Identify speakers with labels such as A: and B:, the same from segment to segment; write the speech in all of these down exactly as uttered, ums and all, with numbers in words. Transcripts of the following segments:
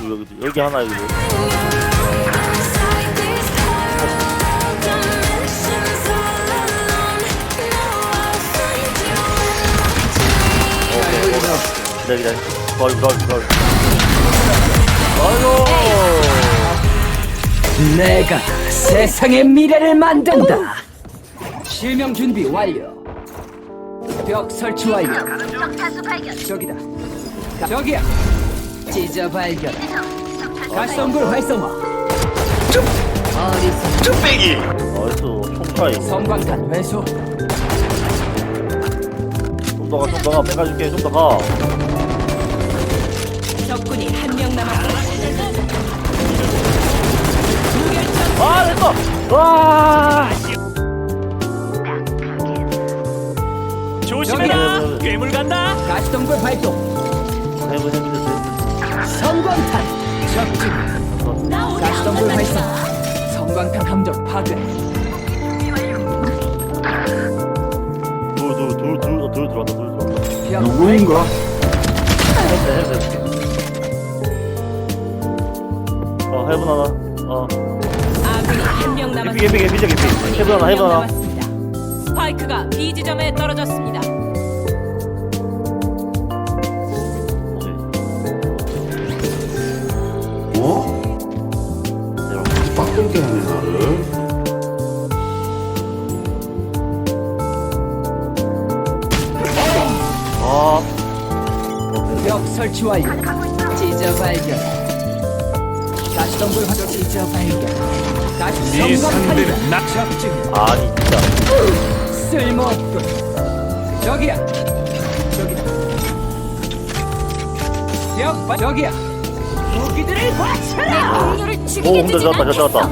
A: 여기 여기 하나 여기. 기다려 기다려. 거울 거울 거울. 아이고.
B: 내가 세상의 미래를 만든다. 실명 준비 완료. 벽 설치 완료. 저기다. 저기야. 찢어 발견. 가스덤불 활성화. 어리석.
C: 쭈빼기.
A: 나이스 총차이.
B: 성광탄 회수.
A: 좀 더 가, 좀 더 가, 빼가줄게, 좀 더 가.
D: 적군이 한 명 남았습니다.
A: 아, 됐어! 와!
B: 조심해라.
C: 괴물 간다.
B: 가스덤불 발동.
A: 해보, 해보, 해보.
B: 성광탄 적중. 가스덤불 활성. 성광탄 함정 파괴.
A: 둘, 둘, 둘, 둘, 둘 들어왔다, 둘 들어왔다.
B: 누구인가?
A: 해보, 해보, 해보. 어, 해보 하나. 어.
D: 아군이 한 명
A: 개피,
D: 남았습니다.
A: 개피, 개피, 개피. 해보 하나, 해보 하나.
D: 남았습니다. 스파이크가 B 지점에 떨어졌습니다.
E: 어? 빡돌게 하네 나를.
A: 아,
B: 벽 설치 완료. 찢어 발견. 가스덤불 화도 찢어 발견. 다시
C: 네
B: 성광탄이다.
C: 상대는 나.
B: 적중.
A: 아니, 진짜.
B: 쓸모없군. 저기야. 저기다. 벽 봐. 저기야. 무기들을 바쳐라.
D: 동료를
A: 오,
D: 죽이게
A: 근데
D: 두진
A: 잡았다,
D: 않겠어.
A: 잡았다.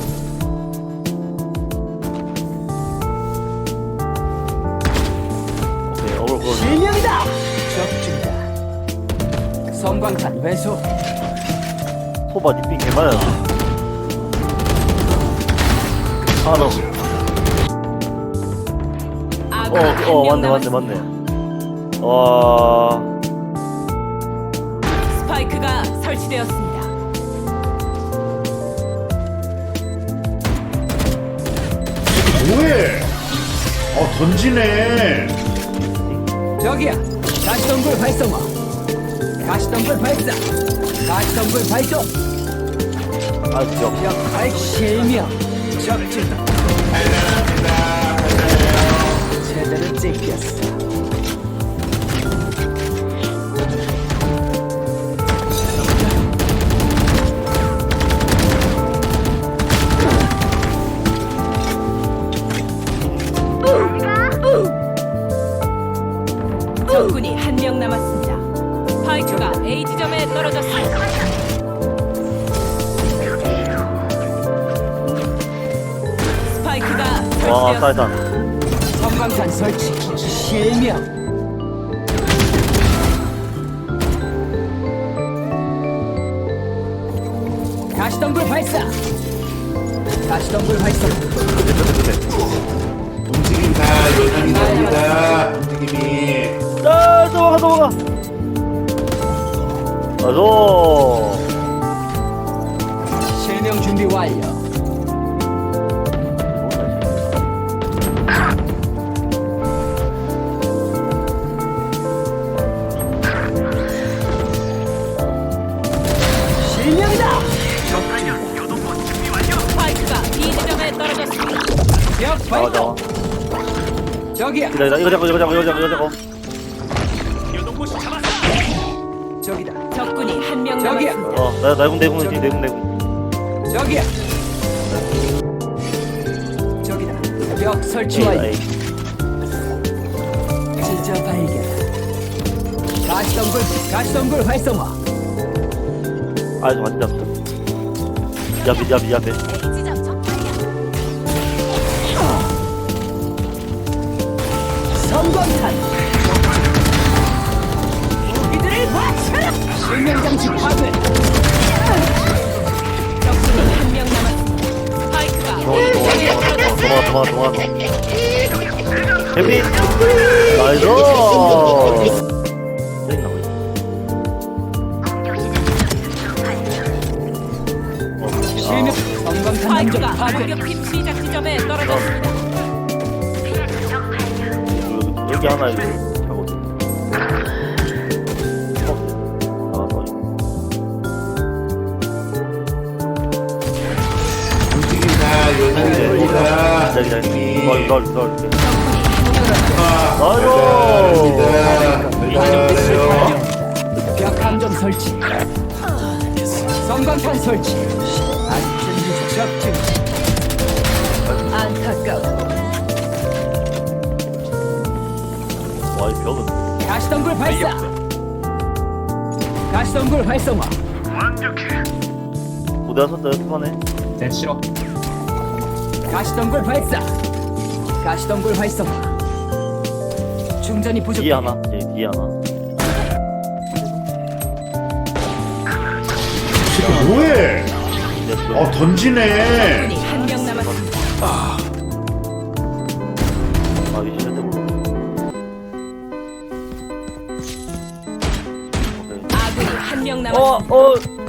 A: 오케이, 어글, 어글.
B: 실명이다. 적중이다. 성광탄 회수.
A: 소바 니핑 개많아. 하나 더.
D: 아군이
A: 어,
D: 한
A: 어,
D: 명
A: 맞네, 맞네,
D: 남았습니다.
A: 맞네. 와.
D: 스파이크가 설치되었습니다.
E: 뭐해? 어 던지네.
B: 저기야. 가시덤불 활성화. 가시덤불 발사. 가시덤불 발동.
A: 아, 역.
B: 벽발 실명. 적중. 제대로 찍혔어.
D: 적군이 한 명 남았습니다. 스파이크가 A 지점에 떨어졌습니다. 스파이크가
A: 와,
D: 설치되었습니다.
A: 사이단.
B: 성광탄 설치. 실명. 가시덤불 발사. 가시덤불 활성.
E: 움직인다 여전히다 여기다 움직임이.
A: 아, 넘어가, 넘어가. 아조.
B: 실명 준비 완료. 실명이다.
D: 스파이크가 B 지점에 떨어졌습니다.
B: 벽
A: 나와, 나와.
B: 발동. 저기야.
A: 기다려, 이거 잡고, 이거 잡고, 이거 잡고, 이거 잡고.
C: 요동보시 잡았어.
B: 저기다.
D: 적군이 한 명
B: 저기야.
D: 남았습니다.
A: 어, 나, 내군, 내군, 내군, 내군.
B: 저기야. 저기다. 벽 설치
A: 에이,
B: 완료.
A: 에이.
B: 진짜 발견. 가시덤불, 가시덤불 활성화.
A: 아, 좀 맞지, 잡자. 야, 밑, 야, 밑, 야, 밑.
D: A 지점 적발이야.
B: 성광탄. 무기들을 바쳐라. 실명장치 파괴.
D: 적군이 한 명 남았습니다. 스파이크가
A: 도망가,
D: A 지점에
A: 도망가,
D: 떨어졌습니다.
A: 도망가, 도망가, 도망가. 해피! 나이스! 땡 나고 있어.
D: 파이크가
B: 파괴.
D: 공격팀 시작 지점에 떨어졌습니다.
A: 여기, 여기 하나 이렇게 하거든. 어, 나가서
E: 움직인다. 요단이 됩니다.
A: 기다려, 기다려.
E: 움직임이.
A: 널, 널, 널. 이렇게.
E: 아이고.
A: 아이고.
B: 벽 함정 설치. 성광탄 설치. 안전 적중. 안타까워.
A: 와, 이 벽은.
B: 가시덤불 발사. 가시덤불 활성화.
A: 무대 왔었다, 연습하네.
C: 내 싫어.
B: 가시덤불 발사. 가시덤불 활성화. 충전이 부족해.
A: 뒤에 하나, 예, 뒤에 하나.
E: 야, 뭐해?
A: 이제 또
E: 어, 던지네.
D: 적군이 한 명 남았습니다.
A: 아, 이 시간대 몰라. 오케이.
D: 아군이 한 명
A: 어,
D: 남았습니다.
A: 어,